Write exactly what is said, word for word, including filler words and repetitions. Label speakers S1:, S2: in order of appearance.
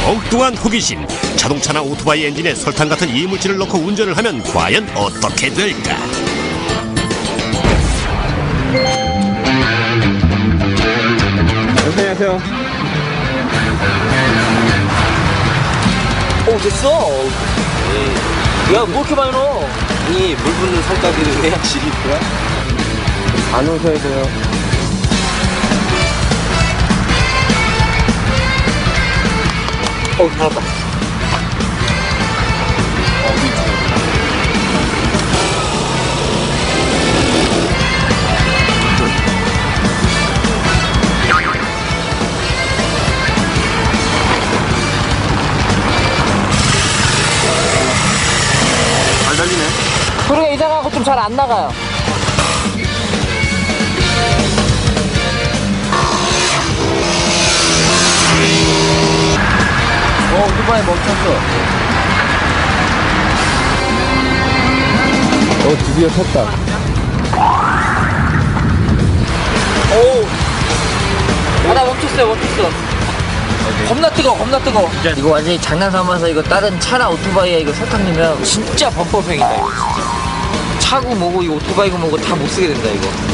S1: 엉뚱한 호기심. 자동차나 오토바이 엔진에 설탕 같은 이물질을 넣고 운전을 하면 과연 어떻게 될까?
S2: 안녕하세요.
S3: 오 됐어. 야 뭐 이렇게 많이 넣어?
S2: 이 물 붓는 살까기는 해야 질이 있구나. 안 오셔야 돼요.
S3: 어 잘했다.
S2: 잘 달리네.
S3: 소리가 이상하고 좀 잘 안 나가요. 어 오토바이 멈췄어.
S2: 어, 드디어 탔다.
S3: 오. 아나 멈췄어요 멈췄어. 겁나 뜨거 겁나 뜨거. 이거 완전히 장난 삼아서 이거 다른 차나 오토바이에 이거 설탕 넣으면 진짜 범법행위다 이거. 차고 뭐고 이거 오토바이고 뭐고 다 못 쓰게 된다 이거.